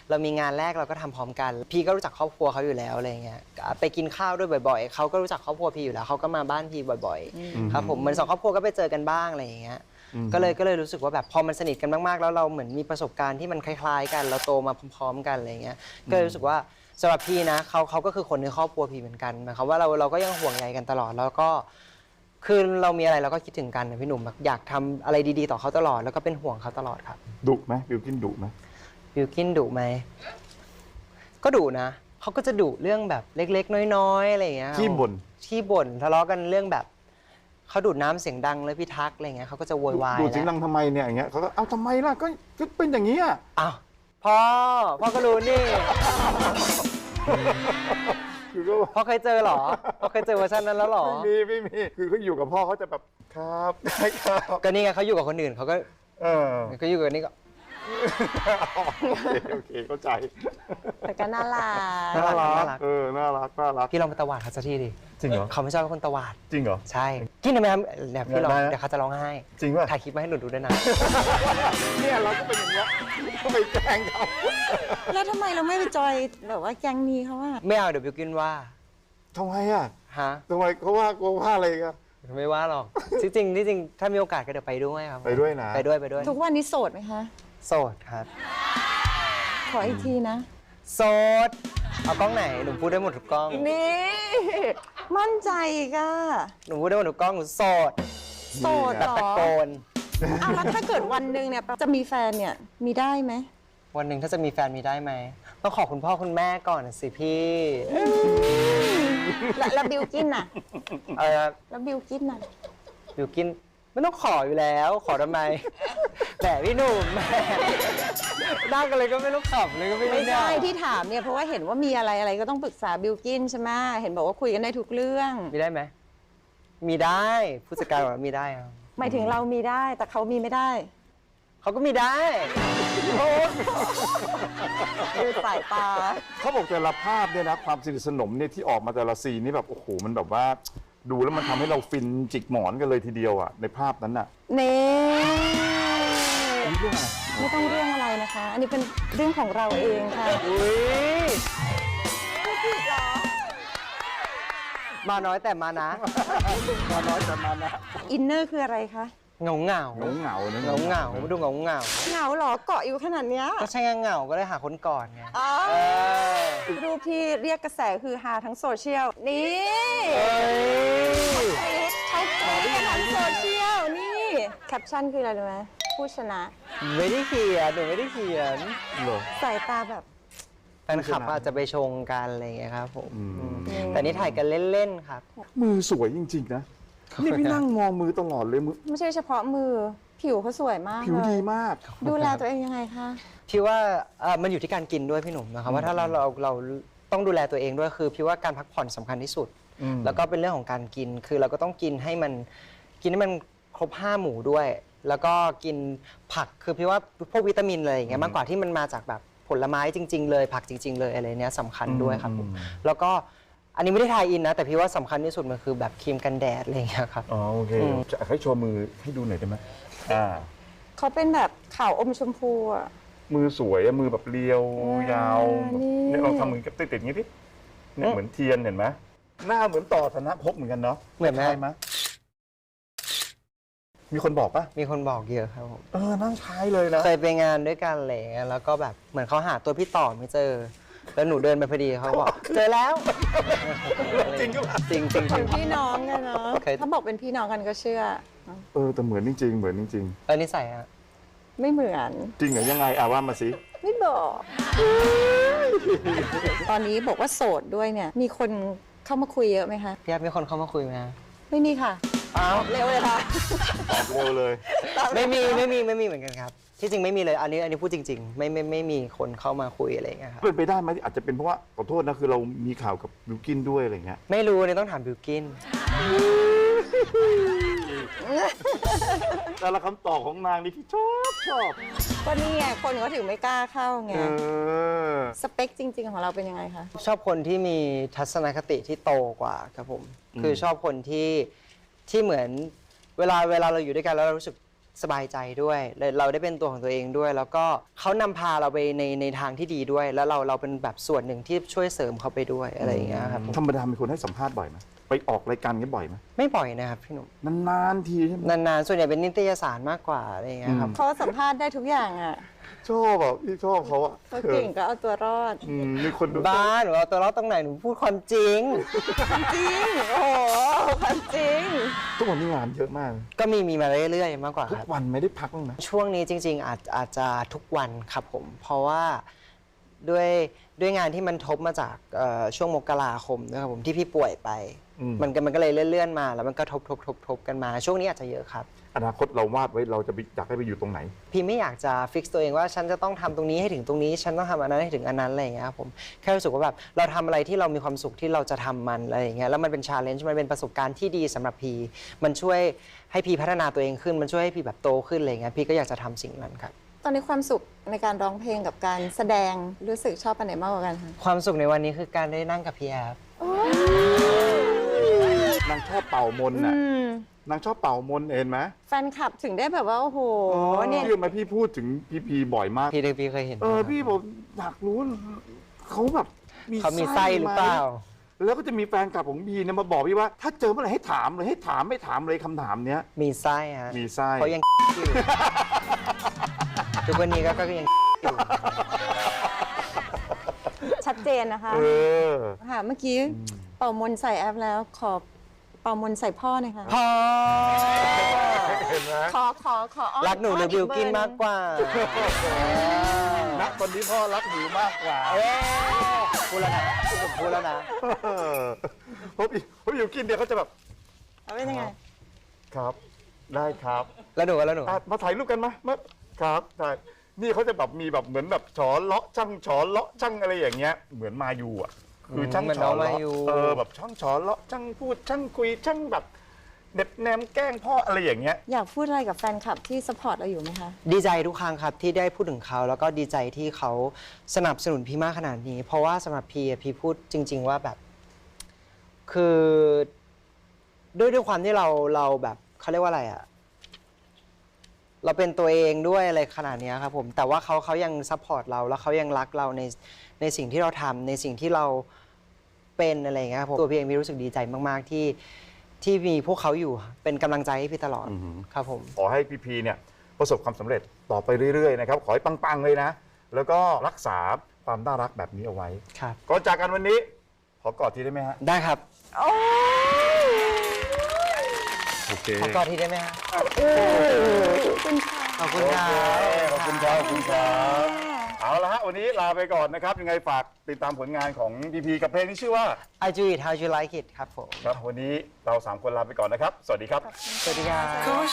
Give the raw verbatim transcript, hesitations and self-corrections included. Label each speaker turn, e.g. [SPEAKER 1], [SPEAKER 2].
[SPEAKER 1] เรามีงานแรกเราก็ทำพร้อมกันพี่ก็รู้จักครอบครัวเขาอยู่แล้วอะไรเงี้ยไปกินข้าวด้วยบ่อยๆเขาก็รู้จักครอบครัวพี่อยู่แล้วเขาก็มาบ้านพี่บ่อยๆครับผมเหมือนสองครอบครัวก็ไปเจอกันบ้างอะไรอย่างเงี้ยก็เลยก็เลยรู้สึกว่าแบบพอมันสนิทกันมากๆแล้วเราเหมือนมีประสบการณ์ที่มันคล้ายๆกันเราโตมาพร้อมๆกันอะไรเงี้ยก็เลยรู้สึกว่าสำหรับพี่นะเขาเขาก็คือคนในครอบครัวพี่เหมือนกันหมายความว่าเราเราก็ยังห่วงใยกันตลอดแล้วก็คือเรามีอะไรเราก็คิดถึงกันนะพี่หนุ่มอยากทำอะไรดีๆต่อเขาตลอดแล้วก็เป็นห่วงเขาตลอดครับ
[SPEAKER 2] ดุไหมบิลกินดุไหม
[SPEAKER 1] บิลกินดุไหมก็ดุนะเขาก็จะดุเรื่องแบบเล็กๆน้อยๆอะไรอย่างเงี้ย
[SPEAKER 2] ขี้บ่น
[SPEAKER 1] ขี้บ่นทะเลาะกันเรื่องแบบเขาดูดน้ำเสียงดังเลยพี่ทักอะไรเงี้ยเขาก็จะโวยวาย
[SPEAKER 2] ดูดเสียงดังทำไมเนี่ยอย่างเงี้ยเขาก็เอ้าทำไมล่ะก็เป็นอย่างนี้อ่ะ
[SPEAKER 1] อ้าวพ่อพ่อก็รู้นี่พ่อเคยเจอหรอพ่อเคยเจอเวอร์ชันนั้นแล้วหรอ
[SPEAKER 2] ไม่มีไม่มีคือเขาอยู่กับพ่อเขาจะแบบครับได้ครับ
[SPEAKER 1] ก็นี่ไงเขาอยู่กับคนอื่นเขาก็
[SPEAKER 2] เออ
[SPEAKER 1] ก็อยู่กับนี่ก็
[SPEAKER 2] โอเคเข้าใจ
[SPEAKER 3] แต่ก็น่ารัก
[SPEAKER 2] น่ารักเออน่ารักน่ารัก
[SPEAKER 1] พี่ลองไปตวาดเขาสักทีดิ
[SPEAKER 2] จริงเหรอ
[SPEAKER 1] เขาไม่ชอบเป็นคนตวาด
[SPEAKER 2] จริงเหรอ
[SPEAKER 1] ใช่กินได้ไหมครับเดี๋ยวพี่ลองเดี๋ยวเขาจะร้องไห้
[SPEAKER 2] จริงป่ะ
[SPEAKER 1] ถ่ายคลิปมาให้หนูดูด้วยนะ
[SPEAKER 2] เนี่ยเราก็เป็นอย่างเงี้ยก็ไปแกล้งเขา
[SPEAKER 3] แล้วทำไมเราไม่ไปจอยแบบว่าแก๊งนี้เขาว่า
[SPEAKER 1] ไม่เอาเดี๋ยวบิวกินว่า
[SPEAKER 2] ทำไมอ่ะ
[SPEAKER 1] ฮะ
[SPEAKER 2] ทำไมเขาว่าเขาว่าอะไรกัน
[SPEAKER 1] ไม่ว่าหรอกที่จริงที่จริงถ้ามีโอกาสก็เดี๋ยวไปด้วยครับ
[SPEAKER 2] ไปด้วยนะ
[SPEAKER 1] ไปด้วยไปด้วย
[SPEAKER 3] ทุกวันนี้โสดไหมคะ
[SPEAKER 1] โสดครับ
[SPEAKER 3] ขออีกทีนะ
[SPEAKER 1] โสดเอากล้องไหนหนูพูดได้หมดทุกกล้อง
[SPEAKER 3] นี่มั่นใจก็
[SPEAKER 1] หนูพูดได้หมดทุกกล้องหนูโสด
[SPEAKER 3] โสด
[SPEAKER 1] แบบตะโกน
[SPEAKER 3] เอาแล้วถ้าเกิดวันหนึ่งเนี่ยจะมีแฟนเนี่ยมีได้ไหม
[SPEAKER 1] วันหนึ่งถ้าจะมีแฟนมีได้ไหมต้องขอคุณพ่อคุณแม่ก่อนสิพี่
[SPEAKER 3] แล้วบิวกินน่ะ
[SPEAKER 1] เออ
[SPEAKER 3] แล้วบิวกินน่ะ
[SPEAKER 1] บิวกินไม่ต้องขออยู่แล้วขอทำไมแหมพี่หนุ่มแหมได้กันเลยก็ไม่ต้องขับเลยก็ไม่
[SPEAKER 3] ไม่ใช่ที่ถามเนี่ยเพราะว่าเห็นว่ามีอะไรอะไรก็ต้องปรึกษาบิวกินใช่ไหมเห็นบอกว่าคุยกันได้ทุกเรื่อง
[SPEAKER 1] มีได้ไหมมีได้ผู้จัดการบอกว่ามีได้ครับ
[SPEAKER 3] หมายถึงเรามีได้แต่เขามีไม่ได้
[SPEAKER 1] เขาก็มีได้
[SPEAKER 3] ดูสายตา
[SPEAKER 2] เขาบอกแต่ละภาพเนี่ยนะความสนิทสนมเนี่ยที่ออกมาแต่ละซีนนี่แบบโอ้โหมันแบบว่าดูแล้วมันทำให้เราฟินจิกหมอนกันเลยทีเดียวอ่ะในภาพนั้นอ่ะ
[SPEAKER 3] เน่
[SPEAKER 2] ไม่
[SPEAKER 3] ต้องเรื่องอะไรนะคะอันนี้เป็นเรื่องของเราเองค่ะ
[SPEAKER 1] อุ้ยมาน้อยแต่มานะ
[SPEAKER 2] มาน้อยแต่มานะ
[SPEAKER 3] อินเนอร์คืออะไรคะ
[SPEAKER 1] เงาเงา
[SPEAKER 2] เงาเงา
[SPEAKER 1] เงาเงาดูเงาเงา
[SPEAKER 3] เงาหรอเกาะอยู่ขนาดเนี้ย
[SPEAKER 1] ก็ใช่เงาก็ได้หาคนก่อนไง
[SPEAKER 3] รูปที่เรียกกระแสคือฮาทั้งโซเชียลนี่เขาแชร์กันทั้งโซเชียลนี่แคปชั่นคืออะไรรู้ไหมผู้ชนะ
[SPEAKER 1] ไม่ได้เขียนหนูไม่ได้เขียน
[SPEAKER 3] สายตาแบบ
[SPEAKER 1] แฟนคลับอาจจะไปชงกันอะไรอย่างเงี้ยครับผมแต่นี่ถ่ายกันเล่นๆครับ
[SPEAKER 2] มือสวยจริงๆนะนี่พี่นั่งมองมือตลอดเลยมือ
[SPEAKER 3] ไม่ใช่เฉพาะมือผิวเขาสวยมาก
[SPEAKER 2] ผิวดีมาก
[SPEAKER 3] ดูแลตัวเองยังไงคะ
[SPEAKER 1] พี่ว่ามันอยู่ที่การกินด้วยพี่หนุ่มนะครับว่าถ้าเราเราเราต้องดูแลตัวเองด้วยคือพี่ว่าการพักผ่อนสำคัญที่สุดแล้วก็เป็นเรื่องของการกินคือเราก็ต้องกินให้มันกินให้มันครบห้าหมู่ด้วยแล้วก็กินผักคือพี่ว่าพวกวิตามินอะไรอย่างเงี้ยมากกว่าที่มันมาจากแบบผลไม้จริงๆเลยผักจริงๆเลยอะไรเนี้ยสำคัญด้วยครับผมแล้วก็อันนี้ไม่ได้ทายอินนะแต่พี่ว่าสำคัญที่สุดมันคือแบบครีมกันแดดอะไรอย่างเงี้ยครับ
[SPEAKER 2] อ๋อโอเคจะให้โชว์มือให้ดูหน่อยได้ไหมอ่า
[SPEAKER 3] เขาเป็นแบบขาวอมชมพูอ่ะ
[SPEAKER 2] มือสวยอะมือแบบเรียวยาวเนี่ยลองทำมือกับติดๆอย่างนี้ดิเนี่ยเหมือนเทียนเห็นไหมหน้าเหมือนต่อธนภพเหมือนกันเนาะ
[SPEAKER 1] เหมือนไหม
[SPEAKER 2] มีคนบอกปะ
[SPEAKER 1] มีคนบอกเยอะครับผม
[SPEAKER 2] เออนั่งใช้เลยนะ
[SPEAKER 1] เคยไปงานด้วยกันอะไรเงี้ยแล้วก็แบบเหมือนเขาหาตัวพี่ต่อไม่เจอแล้วหนูเดินไปพอดีเขาบอกเจอแล้ว
[SPEAKER 2] จริงก็
[SPEAKER 1] จริงจริง
[SPEAKER 3] เป็นพี่น้องกันเนาะถ้าบอกเป็นพี่น้องกันก็เชื่อ
[SPEAKER 2] เออแต่เหมือนจริงๆเหมือนจริง
[SPEAKER 1] ๆเออนิสัยอะ
[SPEAKER 3] ไม่เหมือน
[SPEAKER 2] จริงเหรอยังไงอ่ะว่ามาสิ
[SPEAKER 3] ไม่บอกตอนนี้บอกว่าโสดด้วยเนี่ยมีคนเข้ามาคุยเยอะไหมคะ
[SPEAKER 1] พี่อาร์ตมีคนเข้ามาคุยไหม
[SPEAKER 3] ไม่มีค่ะ
[SPEAKER 1] อ้าว
[SPEAKER 3] เร็วเลยค่ะ
[SPEAKER 2] ตอบเร็วเลย
[SPEAKER 1] ไม่มีไม่มีไม่มีเหมือนกันครับที่จริงไม่มีเลยอันนี้อันนี้พูดจริงๆไม่ไม่ไม่มีคนเข้ามาคุยอะไรอย่างเงี้ยครับ
[SPEAKER 2] เป็นไปได้ไหมอาจจะเป็นเพราะว่าขอโทษนะคือเรามีข่าวกับบิวกินด้วยอะไรเงี้ย
[SPEAKER 1] ไม่รู้เนี่ยต้องถามบิวกิน
[SPEAKER 2] แต่ละคำตอบของนางนี่พี่ชอบชอบ
[SPEAKER 3] ก็นี่ไงคนเขาถึงไม่กล้าเข้าไงสเปคจริงๆของเราเป็นยังไงคะ
[SPEAKER 1] ชอบคนที่มีทัศนคติที่โตกว่าครับผมคือชอบคนที่ที่เหมือนเวลาเวลาเราอยู่ด้วยกันแล้วเรารู้สึกสบายใจด้วยและเราได้เป็นตัวของตัวเองด้วย แล้วก็เขานำพาเราไปในในทางที่ดีด้วย แล้วเราเราเป็นแบบส่วนหนึ่งที่ช่วยเสริมเขาไปด้วยอะไรอย่างเงี้ยครับ
[SPEAKER 2] ธรรมดามีคนให้สัมภาษณ์บ่อยไหมไปออกรายการกันบ่อยไหม
[SPEAKER 1] ไม่บ่อยนะครับพี่หนุ่ม
[SPEAKER 2] นานๆทีใช่ไหม
[SPEAKER 1] นานๆส่วนใหญ่เป็นนิตยสารมากกว่าอะไรอย่างเงี้ยครับ
[SPEAKER 3] เขาสัมภาษณ์ได้ทุกอย่างอ่ะ
[SPEAKER 2] ชอบแบบพี่ชอบเขาอะ
[SPEAKER 3] เขาเก่งก็เอาตัวรอด
[SPEAKER 2] อืมมีคนดู
[SPEAKER 1] บ้าหนูเอาตัวรอดตรงไหนหนูพูดความจริง
[SPEAKER 3] จริง โอ้โหความจริง
[SPEAKER 2] ทุกวันนี้งานเยอะมาก
[SPEAKER 1] ก็มีมีมาเรื่อยๆมากกว่า
[SPEAKER 2] ทุ
[SPEAKER 1] ค
[SPEAKER 2] ก
[SPEAKER 1] รับ
[SPEAKER 2] วันไม่ได้พักบ้างนะ
[SPEAKER 1] ช่วงนี้จริง ๆ อาจอาจจะทุกวันครับผม เพราะว่าด้วยด้วยงานที่มันทบมาจากเอ่อช่วงมกราคมนะครับผมที่พี่ป่วยไป
[SPEAKER 2] อืม
[SPEAKER 1] มันก็มันก็เลยเลื่อนๆมา แล้วมันก็ทบทบทบทบกันมา ช่วงนี้อาจจะเยอะครับ
[SPEAKER 2] อนาคตเราวาดไว้เราจะไปอยากให้ไปอยู่ตรงไหน
[SPEAKER 1] พี่ไม่อยากจะฟิกตัวเองว่าฉันจะต้องทำตรงนี้ให้ถึงตรงนี้ ฉันต้องทำอันนั้นให้ถึงอันนั้นอะไรอย่างเงี้ยครับผมแค่รู้สึกว่าแบบเราทำอะไรที่เรามีความสุขที่เราจะทำมันอะไรอย่างเงี้ยแล้วมันเป็นชาเลนจ์มันเป็นประสบการณ์ที่ดีสำหรับพีมันช่วยให้พีพัฒนาตัวเองขึ้น มันช่วยให้พีแบบโตขึ้นอะไรอย่างเงี้ยพี่ก็อยากจะทำสิ่งนั้นครับ
[SPEAKER 3] ตอนนี้ความสุขในการร้องเพลงกับการแสดงรู้สึกชอบอันไหนมากกว่ากันคะ
[SPEAKER 1] ความสุขในวันนี้คือการได้นั่งกับพี่แอฟ
[SPEAKER 2] นางชอบเป่ามนต์น่ะ
[SPEAKER 3] อืม
[SPEAKER 2] นางชอบเป่ามนต์เห็นไหม
[SPEAKER 3] แฟนคลับถึงได้แบบว่า โอ้โหเนี่ย
[SPEAKER 2] พี่มาพี่พูดถึงพี่พีบ่อยมาก
[SPEAKER 1] พี่เด็กพี่เคยเห็น
[SPEAKER 2] เออพี่บอกอยากรู้เขาแบบมี
[SPEAKER 1] เขามีไส้หรือเปล่า
[SPEAKER 2] แล้วก็จะมีแฟนคลับของพี่เนี่ยมาบอกพี่ว่า ถ้าเจอเมื่อไหร่ให้ถามเลยให้ถามไม่ถามเลยคำถามเนี้ย
[SPEAKER 1] มีไส้ฮะ
[SPEAKER 2] มีไส้
[SPEAKER 1] เขายัง อยู่ทุกวันนี้ก็ก็ยังอยู่
[SPEAKER 3] ชัดเจนนะคะ
[SPEAKER 2] เออ
[SPEAKER 3] ค่ะ เมื่อกี้เป่ามนต์ใส่แอปแล้ว ขอเป่ามนต์ใส่พ่อหน่อยค่ะ
[SPEAKER 1] พอ
[SPEAKER 2] เห็นไหม
[SPEAKER 3] ขอขอขออ้อน
[SPEAKER 1] รักหนูหรือบิวกินมากกว่า
[SPEAKER 2] ณตอนนี้พ่อรักหนูมากกว่า
[SPEAKER 1] เอ้ยพูดแล้วนะผมพูดแล้วนะ
[SPEAKER 2] เพราะพี่เพราะอยู่กินเนี่ยเขาจะแบบ
[SPEAKER 3] เอาเป็นยังไง
[SPEAKER 2] ครับ ได้ครับ
[SPEAKER 1] แล้วหนูแล้วหนู
[SPEAKER 2] อ่ะมาถ่ายรูปกันมามาครับถ่ายนี่เขาจะแบบมีแบบเหมือนแบบฉอเลาะช่างฉอเลาะช่างอะไรอย่างเงี้ยเหมือนมายูอ่ะคือช่าง
[SPEAKER 1] เหมือน
[SPEAKER 2] ฉ
[SPEAKER 1] น้
[SPEAKER 2] อ
[SPEAKER 1] องมา
[SPEAKER 2] เลาะ
[SPEAKER 1] ยู
[SPEAKER 2] เออแบบช่างฉอเลาะช่างพูดช่างคุยช่างแบบเด็บแนมแกล้งพ่ออะไรอย่างเงี้ย
[SPEAKER 3] อยากพูดอะไรกับแฟนคลับที่สปอร์ตเราอยู่ไหมคะ
[SPEAKER 1] ดีใจทุกครั้งครับที่ได้พูดถึงเขาแล้วก็ดีใจที่เขาสนับสนุนพี่มากขนาดนี้ เพราะว่าสำหรับพี่อะพี่พูดจริง ๆ ว่าแบบ คือด้วยด้วยความที่เราเราแบบเขาเรียกว่าอะไรอะเราเป็นตัวเองด้วยอะไรขนาดเนี้ยครับผมแต่ว่าเขาเขายังซัพพอร์ตเราแล้วเขายังรักเราในในสิ่งที่เราทำในสิ่งที่เราเป็นอะไรอย่างเงี้ยครับผมตัวพี่เองพี่รู้สึกดีใจมาก ๆ ที่ที่มีพวกเขาอยู่เป็นกำลังใจให้พี่ตลอด
[SPEAKER 2] อือหือ
[SPEAKER 1] ครับผม
[SPEAKER 2] ขอให้พี่พีเนี่ยประสบความสำเร็จต่อไปเรื่อยๆนะครับขอให้ปังๆเลยนะ แล้วก็รักษาความน่ารักแบบนี้เอาไว้
[SPEAKER 1] ครับ
[SPEAKER 2] ก่อนจากกันวันนี้ ขอกอดทีได้ไหมฮะ
[SPEAKER 1] ได้ครับ
[SPEAKER 3] โอ้ย
[SPEAKER 2] โอเค
[SPEAKER 1] ขอกอดทีได้ไหมฮะ
[SPEAKER 3] ขอบคุณค่ะ
[SPEAKER 1] ขอบคุณครับ
[SPEAKER 2] ขอบคุณครับขอบคุณครับเอาละฮะวันนี้ลาไปก่อนนะครับ ยังไงฝากติดตามผลงานของพีพีกับเพลงที่ชื่อว่า
[SPEAKER 1] I do it how you like it ครับผม
[SPEAKER 2] ครับวันนี้เราสามคนลาไปก่อนนะครับ สวัสดีครับ
[SPEAKER 1] สวัสดีครับ